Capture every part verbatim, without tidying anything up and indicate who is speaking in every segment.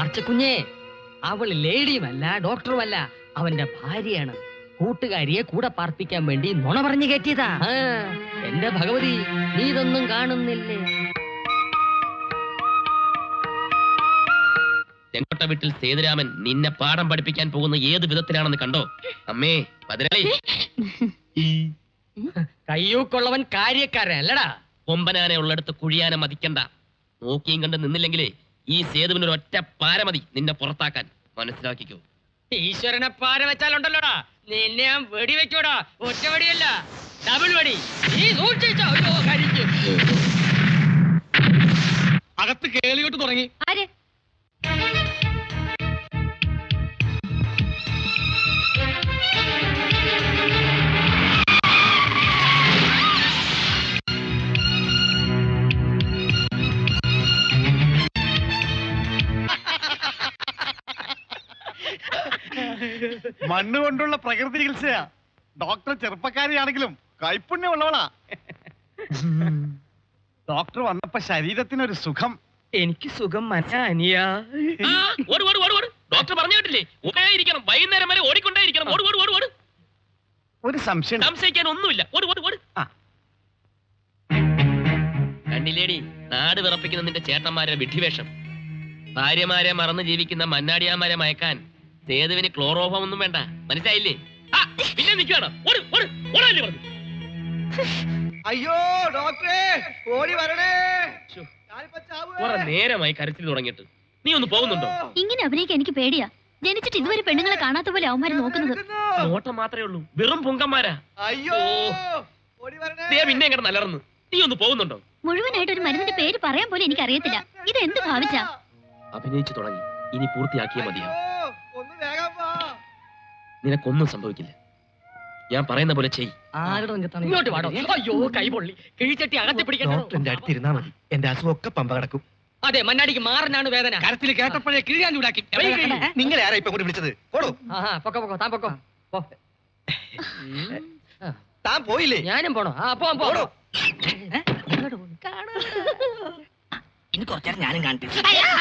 Speaker 1: പറച്ചക്കുഞ്ഞേ, അവൾ ലേഡിയുമല്ല ഡോക്ടറുമല്ല, അവന്റെ ഭാര്യയാണ്. കൂട്ടുകാരിയെ കൂടെ പാർപ്പിക്കാൻ വേണ്ടി നുണ പറഞ്ഞു കയറ്റിയതാ. എന്റെ ഭഗവതി, നീ ഇതൊന്നും കാണുന്നില്ലേ?
Speaker 2: ചെങ്കോട്ട വീട്ടിൽ സേതുരാമൻ നിന്നെ പാഠം പഠിപ്പിക്കാൻ പോകുന്ന ഏത് വിധത്തിലാണെന്ന് കണ്ടോ? അമ്മേ പതിനാളി,
Speaker 1: കയ്യൂക്കുള്ളവൻ കാര്യക്കാരൻ അല്ലടാ.
Speaker 2: കൊമ്പനാനെ ഉള്ളടുത്ത് കുഴിയാനെ മതിക്കണ്ട. നോക്കിയും കണ്ട് നിന്നില്ലെങ്കിലേ ഈ സേതുവിനൊരു ഒറ്റ പാര മതി നിന്നെ പുറത്താക്കാൻ. മനസ്സിലാക്കിക്കോ.
Speaker 1: ഈശ്വരനെ പാര വെച്ചാലുണ്ടല്ലോടാ, നിന്നെ ഞാൻ വെടി വെച്ചോടാ. ഒറ്റ വെടിയല്ല, ഡബിൾ വെടി. നീ സൂക്ഷിച്ചോ. കരിച്ചു
Speaker 3: അകത്ത് കേളിയോട്ട് തുടങ്ങി.
Speaker 4: ആര്?
Speaker 3: മണ്ണ് കൊണ്ടുള്ള പ്രകൃതി ചികിത്സയാ. ഡോക്ടർ ചെറുപ്പക്കാരിയാണെങ്കിലും കൈപ്പുണ്യമുള്ളവളാ. ഡോക്ടർ വന്നപ്പോ ശരീരത്തിനൊരു സുഖം.
Speaker 1: എനിക്ക് സുഖം മനസ്സിലാ.
Speaker 2: ഡോക്ടർ പറഞ്ഞു കേട്ടില്ലേ, ഓടിയിരിക്കണം, വൈകുന്നേരം വരെ ഓടിക്കൊണ്ടേയിരിക്കണം. ഓട് ഓട് ഓട് ഓട്.
Speaker 3: ഒരു സംശയം.
Speaker 2: സംശയിക്കാൻ ഒന്നുമില്ല. ഓട് ഓട് ഓട്. കണ്ടില്ലേടി നാട് വിറപ്പിക്കുന്ന നിന്റെ ചേട്ടന്മാരെ വിഡ്ഢിവേഷം. ഭാര്യമാരെ മറന്ന് ജീവിക്കുന്ന മന്നാടിയാമാരെ മയക്കാൻ സേതുവിന് ക്ലോറോഫോം ഒന്നും വേണ്ട. മനസ്സിലായില്ലേ? പിന്നെ നിൽക്കണം.
Speaker 3: അയ്യോ ഡോക്ടറെ, ഓടി വരണേ.
Speaker 2: നേരമായി കരച്ചിൽ തുടങ്ങിയിട്ട്. നീ ഒന്ന് പോകുന്നുണ്ടോ?
Speaker 4: ഇങ്ങനെ അഭിനയിക്കാൻ എനിക്ക് പേടിയാ. ജനിച്ചിട്ട് ഇതുവരെ പെണ്ണുങ്ങളെ കാണാത്ത പോലെ അവന്മാര് നോക്കുന്നത്.
Speaker 2: നോട്ടം മാത്രമേ ഉള്ളൂ, വെറും പൊങ്കന്മാരാ.
Speaker 3: അയ്യോ
Speaker 2: പിന്നെ എങ്ങനെ നല്ലറന്ന്. നീ ഒന്ന് പോകുന്നുണ്ടോ?
Speaker 4: മുഴുവനായിട്ട് ഒരു മരുന്നിന്റെ പേര് പറയാൻ പോലും എനിക്ക് അറിയത്തില്ല. ഇത് എന്ത് ഭാവിച്ചാ?
Speaker 2: അഭിനയിച്ചു തുടങ്ങി, ഇനി പൂർത്തിയാക്കിയേ മതിയോ. നിനക്കൊന്നും സംഭവിക്കില്ല. ഞാൻ പറയുന്ന പോലെ ചെയ്.
Speaker 1: ഇങ്ങോട്ട് വാടോ. അയ്യോ കൈ പൊള്ളി. കിഴിച്ചട്ടി അകത്തി പിടിക്കാൻ
Speaker 5: അടുത്തിരുന്നാ മതി. എന്റെ അസുഖമൊക്കെ പമ്പ കിടക്കും.
Speaker 1: അതെ, മണ്ണാടിക്ക് മാറിനാണ് വേദന.
Speaker 3: കരത്തിൽ കേട്ടപ്പോഴേ കിഴിയാൻ ചൂടാക്കി.
Speaker 5: നിങ്ങൾ ആരാ ഇപ്പൊ കൂടി വിളിച്ചത്? പോടോ.
Speaker 1: പൊക്കോ പൊക്കോ, താൻ പൊക്കോ.
Speaker 5: താൻ പോയില്ലേ?
Speaker 1: ഞാനും പോണോ? ആ പോ പോടോ.
Speaker 5: ഇനി കുറച്ചേരം ഞാനും കാണട്ടെ.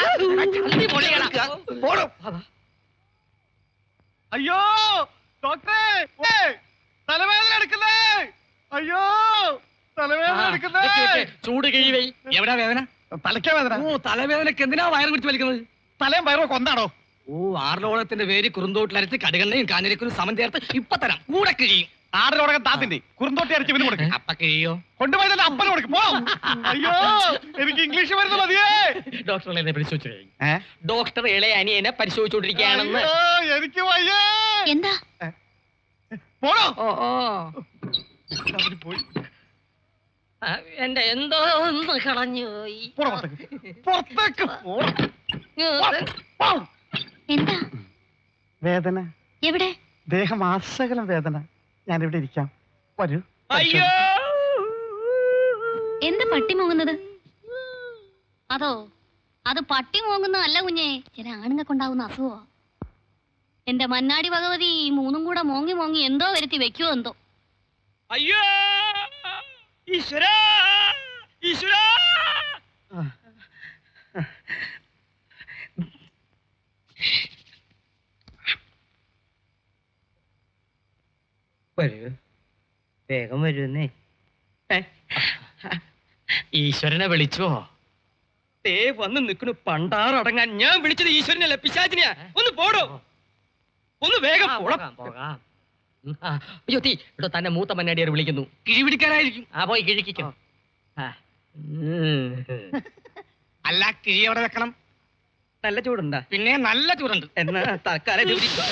Speaker 3: അയ്യോ ഡോക്ടറെ, തലവേദന എടുക്കുന്നേ. അയ്യോ തലവേദന എടുക്കുന്നേ.
Speaker 1: ചൂട് കിഴിവൈ.
Speaker 3: എവിടാ വേദന? തലയ്ക്കാ വേദന. ഓ, തലവേദനക്ക് എന്തിനാ വയറ് പിടിച്ച് വലിക്കുന്നത്? തലയും വയറോ കൊണ്ടാണോ? ഓ, ആറിലോളത്തിന്റെ പേര് കുറുന്തോട്ടിലരച്ച് കടുകണ്ണയും കാഞ്ഞിരക്കും സമം ചേർത്ത് ഇപ്പൊ തരാം. കൂടെ കിഴിയും. ആറിലോടകം താത്തിന്റെ കുറുന്തോട്ടി അരച്ച് ഇവന് കൊടുക്കും. അപ്പ കിഴിയോ? കൊണ്ടുപോയി തന്നെ അപ്പന് കൊടുക്കും. പോ. അയ്യോ എനിക്ക് ഇംഗ്ലീഷ് മരുന്ന് മതിയേ.
Speaker 1: ഡോക്ടർ എന്നെ പരിശോധിച്ചു. ഡോക്ടർ ഇളയ അനിയനെ പരിശോധിച്ചുകൊണ്ടിരിക്കുകയാണെന്ന്.
Speaker 3: എനിക്ക് വയ്യേ.
Speaker 4: എന്താ?
Speaker 3: പോടോ.
Speaker 1: ഓ ഓ
Speaker 3: പോയി.
Speaker 1: എന്റെ എന്തോ ഒന്ന് കളഞ്ഞു പോയി.
Speaker 3: പുറത്തേക്ക്
Speaker 4: എന്താ
Speaker 3: വേദന?
Speaker 4: എവിടെ?
Speaker 3: ദേഹം ആസകലം വേദന. ഞാനിവിടെ ഇരിക്കാം, വരൂ.
Speaker 2: അയ്യോ,
Speaker 4: എന്താ പട്ടി മോങ്ങുന്നത്? അതോ അത് പട്ടി മോങ്ങുന്നതല്ല കുഞ്ഞേ, ചില ആണുങ്ങൾക്കുണ്ടാവുന്ന അസുഖോ. എന്റെ മന്നാടി ഭഗവതി, മൂന്നും കൂടെ മോങ്ങി മോങ്ങി എന്തോ വരുത്തി വെക്കുവോ എന്തോ.
Speaker 2: അയ്യോ ഈശ്വരാ, ഈശ്വരാ.
Speaker 1: വരൂ, വേഗം വരുന്നേ. ഈശ്വരനെ വിളിച്ചോ? തേ വന്ന് നിൽക്കണു പണ്ടാറടങ്ങാൻ. ഞാൻ വിളിച്ചത് ഈശ്വരനല്ല, പിശാചിനെയാ. ഒന്ന് പോടോ, ഒന്ന് വേഗം പോകാം. അയ്യോ തീ ഇവിടെ തന്നെ മൂത്ത മന്നാടിയാർ വിളിക്കുന്നു.
Speaker 3: കിഴി പിടിക്കാനായിരിക്കും.
Speaker 1: ആ പോയി കിഴിക്കോ.
Speaker 3: അല്ല, കിഴി എവിടെ വെക്കണം?
Speaker 1: നല്ല ചൂടുണ്ടാ?
Speaker 3: പിന്നെ നല്ല ചൂടുണ്ട്.
Speaker 1: എന്നാ തൽക്കാലം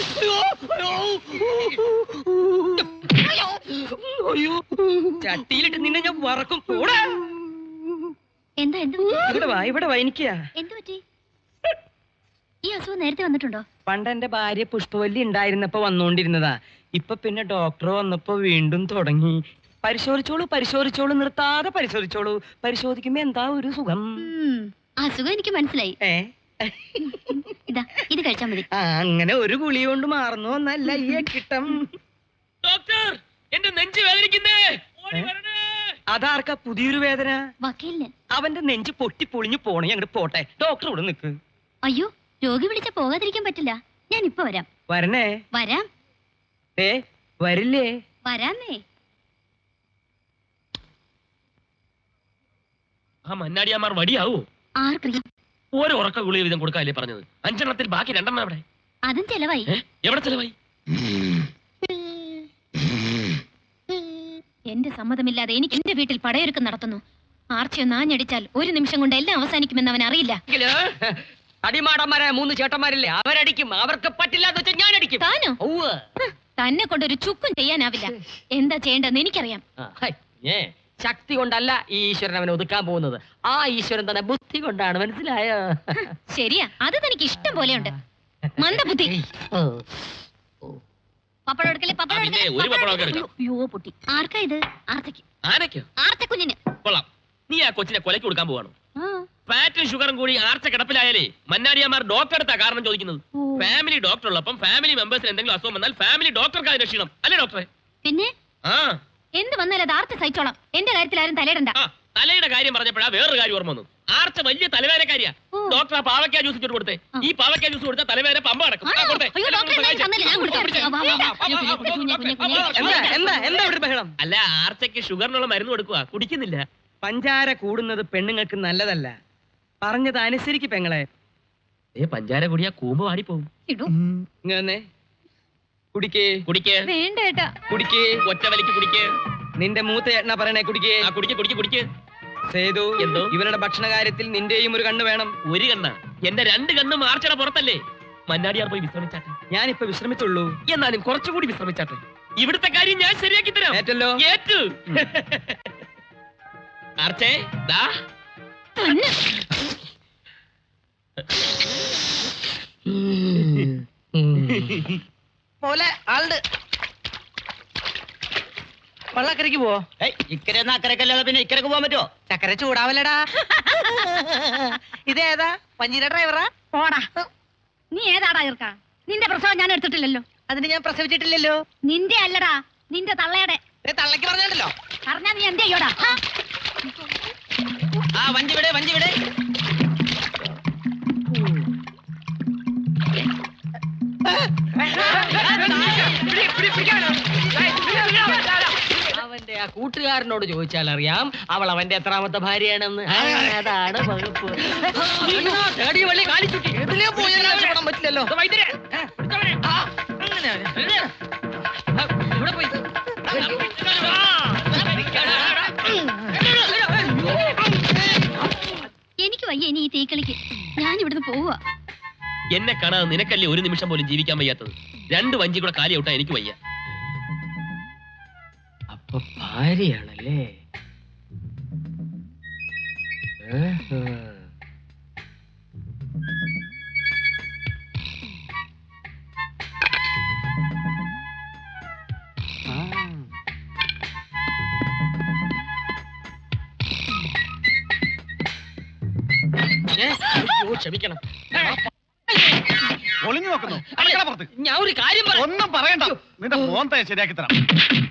Speaker 1: ചട്ടിയിലിട്ട് നിന്നെ ഞാൻ വറക്കും. കൂടെ
Speaker 4: എന്താ എന്ത്
Speaker 1: ഇവിടെ വാ, ഇവിടെ വാ. എനിക്കാ
Speaker 4: എന്ത് പറ്റി? ഈ അസുഖം നേരത്തെ വന്നിട്ടുണ്ടോ?
Speaker 1: പണ്ട് എന്റെ ഭാര്യ പുഷ്പവല്ലി ഉണ്ടായിരുന്നപ്പോ വന്നോണ്ടിരുന്നതാ. ഇപ്പൊ പിന്നെ ഡോക്ടർ വന്നപ്പോ വീണ്ടും തുടങ്ങി. പരിശോധിച്ചോളൂ പരിശോധിച്ചോളൂ, നിർത്താതെ പരിശോധിച്ചോളൂ. പരിശോധിക്കുമ്പോ എന്താ ഒരു സുഖം.
Speaker 4: അസുഖം എനിക്ക് മനസ്സിലായി.
Speaker 1: ഏ
Speaker 4: ഇതാ ഇത് കഴിച്ചാ മതി.
Speaker 1: അങ്ങനെ ഒരു ഗുളി കൊണ്ട് മാറുന്നു എന്നല്ല ഈ കിട്ടം.
Speaker 2: ഡോക്ടർ, എന്റെ നെഞ്ച് വേദനിക്കുന്നേ.
Speaker 1: അതാർക്കാ പുതിയൊരു വേദന?
Speaker 4: വക്കീലിന്.
Speaker 1: അവന്റെ നെഞ്ച് പൊട്ടി പൊളിഞ്ഞു പോണേ. അങ്ങോട്ട് പോട്ടെ, ഡോക്ടർ ഇവിടെ നിക്ക്.
Speaker 4: അയ്യോ, രോഗി വിളിച്ച പോകാതിരിക്കാൻ പറ്റില്ല. ഞാൻ ഇപ്പൊ വരാം.
Speaker 1: വരണേ.
Speaker 4: വരാം.
Speaker 1: ഏ വരില്ലേ?
Speaker 4: വരാന്നേ.
Speaker 2: ആ മന്നാടിയാമാർ വടിയാവോ?
Speaker 4: ആർക്കറിയാം?
Speaker 2: ഓരോ ഉറക്ക ഗുളിക വീതം കൊടുക്കാല്ലേ പറഞ്ഞത്? അഞ്ചെണ്ണത്തിൽ ബാക്കി രണ്ടെണ്ണം എവിടെ?
Speaker 4: അതും ചെലവായി.
Speaker 2: ഏ? എവിടെ ചെലവായി?
Speaker 4: എന്റെ സമ്മതമില്ലാതെ എനിക്ക് എന്റെ വീട്ടിൽ പടയൊരുക്കം നടത്തുന്നു. ആർച്ചയൊന്ന് ആഞ്ഞടിച്ചാൽ ഒരു നിമിഷം കൊണ്ട് എല്ലാം അവസാനിക്കുമെന്ന് അവൻ അറിയില്ല.
Speaker 1: അടിമാടന്മാരായ മൂന്ന് ചേട്ടന്മാരില്ലേ, അവരടിക്കും. അവർക്ക് പറ്റില്ല എന്ന് വെച്ചാൽ ഞാൻ അടിക്കും.
Speaker 4: താനോ? തന്നെ കൊണ്ടൊരു ചുക്കും ചെയ്യാനാവില്ല. എന്താ ചെയ്യേണ്ടതെന്ന് എനിക്കറിയാം.
Speaker 1: ശക്തി കൊണ്ടല്ല ഈ ഈശ്വരൻ അവനെ ഒതുക്കാൻ പോകുന്നത്. ആ ഈശ്വരൻ തന്നെ ബുദ്ധി കൊണ്ടാണ്. മനസ്സിലായോ?
Speaker 4: ശരിയാ, അത് തനിക്ക് ഇഷ്ടം പോലെയുണ്ട്. മന്ദബുദ്ധി. പപ്പടം എടുക്കല്ലേ, പപ്പടം
Speaker 2: ആ, പിന്നെ
Speaker 4: എടുക്കല്ലേ,
Speaker 2: ഒരു
Speaker 4: പപ്പടം
Speaker 2: പപ്പടം ഒക്കെ
Speaker 4: എടുക്കല്ലേ. അയ്യോ പൊട്ടി. ആർക്കാ ഇത്? ആർച്ചയ്ക്ക്.
Speaker 2: ആനയ്ക്കോ?
Speaker 4: ആർച്ചക്കുഞ്ഞിന്.
Speaker 2: കൊള്ളാം. നീ ആ കൊച്ചിനെ കൊലയ്ക്ക് കൊടുക്കാൻ പോവാണോ?
Speaker 4: ആ.
Speaker 2: ഫാറ്റും ഷുഗറും കൂടി ആർച്ച കിടപ്പിലായാലേ മന്നാടിയാമാർ ഡോക്ടർ എടുത്താ കാരണം ചോദിക്കുന്നത്.
Speaker 4: ഓ.
Speaker 2: ഫാമിലി ഡോക്ടർ ഉള്ളപ്പം ഫാമിലി മെമ്പേഴ്സിന് എന്തെങ്കിലും അസുഖം വന്നാൽ ഫാമിലി ഡോക്ടർക്ക് അത് രക്ഷിക്കണം അല്ലേ ഡോക്ടറെ?
Speaker 4: പിന്നെ
Speaker 2: ആ
Speaker 4: എന്ത് വന്നാലും അത് ആർച്ച സഹിച്ചോളാം. എന്റെ കാര്യത്തിൽ ആരും തലയിടണ്ട.
Speaker 2: ആ തലയുടെ കാര്യം പറഞ്ഞപ്പോഴാ വേറൊരു കാര്യം ഓർമ്മ വന്നു. ആർച്ച വലിയ തലവേദനക്കാരിയാ.
Speaker 4: ഓ.
Speaker 2: ഡോക്ടർ ആ പാവയ്ക്കാ ജ്യൂസ് ഇട്ട് കൊടുത്തേ.
Speaker 4: ആ.
Speaker 2: ഈ പാവയ്ക്കാ ജ്യൂസ് കൊടുത്താൽ തലവേദന പമ്പ നടക്കും. ആ,
Speaker 4: ആണോ?
Speaker 2: കൊടുത്തേ.
Speaker 4: അയ്യോ, ഡോക്ടർ എന്തായാലും തന്നില്ല. ഞാൻ കൊടുക്കാം.
Speaker 2: പിടിച്ചേ.
Speaker 4: വാ, വാ, വാ. കുഞ്ഞെ, കുഞ്ഞെ, കുഞ്ഞെ, കുഞ്ഞെ, കുഞ്ഞെ.
Speaker 1: എന്താ എന്താ എന്താ ഇവിടെ ബഹളം?
Speaker 2: അല്ല ആർച്ചയ്ക്ക് ഷുഗറിനുള്ള മരുന്ന് കൊടുക്കുക, കുടിക്കുന്നില്ല.
Speaker 1: പഞ്ചാര കൂടുന്നത് പെണ്ണുങ്ങൾക്ക് നല്ലതല്ല. പറഞ്ഞത് അനുസരിക്ക് പെങ്ങളെ.
Speaker 2: ഏ പഞ്ചാര കുടിയാ കൂമ്പ് വാടിപ്പോവും.
Speaker 4: ഇടൂ.
Speaker 1: ഇങ്ങനെ കുടിക്കേ
Speaker 2: കുടിക്ക്,
Speaker 4: വേണ്ട ഏട്ടാ.
Speaker 1: കുടിക്കേ.
Speaker 2: ഒറ്റ വലിക്ക് കുടിക്ക്.
Speaker 1: നിന്റെ മൂത്ത ചേട്ടനാ പറയണേ കുടിക്കേ.
Speaker 2: ആ കുടിക്ക് കുടിക്ക് കുടിക്ക്.
Speaker 1: സേതു,
Speaker 2: എന്തോ?
Speaker 1: ഇവരുടെ ഭക്ഷണ കാര്യത്തിൽ നിന്റെയും ഒരു കണ്ണ് വേണം.
Speaker 2: ഒരു കണ്ണ എന്റെ രണ്ട് കണ്ണും ആർച്ചയുടെ പുറത്തല്ലേ. മന്നാടിയാർ പോയി വിശ്രമിച്ചാട്ടെ.
Speaker 1: ഞാനിപ്പോ വിശ്രമിച്ചുള്ളൂ.
Speaker 2: എന്നാലും കുറച്ചുകൂടി വിശ്രമിച്ചാട്ടെ. ഇവിടുത്തെ കാര്യം ഞാൻ ശരിയാക്കി തരാം.
Speaker 1: ഏറ്റല്ലോ.
Speaker 2: ഏറ്റു. ആർച്ചേ ദാ
Speaker 4: തന്നെ.
Speaker 5: പോലെ ആളുണ്ട്. വള്ളക്കരയ്ക്ക് പോവോ? ഇക്കരെ അക്കരക്കല്ലാതെ പിന്നെ ഇക്കരക്ക് പോകാൻ പറ്റുമോ? ചക്കര ചൂടാവല്ലടാ. ഇതേതാ പഞ്ഞീര ഡ്രൈവറാ?
Speaker 4: പോടാ. നീ ഏതാടാ ഇർക്ക? നിന്റെ പ്രസവം ഞാൻ എടുത്തിട്ടില്ലല്ലോ.
Speaker 5: അതിന് ഞാൻ പ്രസവിച്ചിട്ടില്ലല്ലോ.
Speaker 4: നിന്റെ അല്ലടാ, നിന്റെ തള്ളയുടെ.
Speaker 5: തള്ളക്ക് പറഞ്ഞല്ലോ.
Speaker 4: പറഞ്ഞാ നീ എന്ത് ചെയ്യോടാ?
Speaker 5: ആ വഞ്ചി വിടെ വഞ്ചി വിടെ.
Speaker 1: അവന്റെ ആ കൂട്ടുകാരനോട് ചോദിച്ചാൽ അറിയാം അവൾ അവന്റെ എത്രാമത്തെ ഭാര്യയാണെന്ന്. ആ, അതാണ് വകുപ്പ്. തേടി വള്ളി കാലിച്ചുട്ടി.
Speaker 5: ഇതിലേ പോയാൽ രക്ഷപ്പെടാൻ പറ്റില്ലല്ലോ.
Speaker 1: ഇത് വൈദ്യരെ.
Speaker 5: ആ, അങ്ങനെ.
Speaker 1: ആ, ഇവിടെ പോയി.
Speaker 4: എനിക്ക് വയ്യ ഇനി ഈ തീക്കളിക്ക്. ഞാൻ ഇവിടുന്ന് പോവാ.
Speaker 2: എന്നെ കാണാതെ നിനക്കല്ലേ ഒരു നിമിഷം പോലും ജീവിക്കാൻ വയ്യാത്തത്. രണ്ട് വഞ്ചി കൂടെ കാലി ഔട്ടാ എനിക്ക് വയ്യ.
Speaker 1: അപ്പൊ ഭാര്യയാണല്ലേ? ആഹാ. ആ. ഏ, അയ്യോ, ക്ഷമിക്കണം.
Speaker 3: ഒളിഞ്ഞു നോക്കുന്നു.
Speaker 1: ഞാൻ ഒരു കാര്യം പറയാം.
Speaker 3: ഒന്നും പറയണ്ട. നിന്റെ മോൻ ശരിയാക്കി തരാം.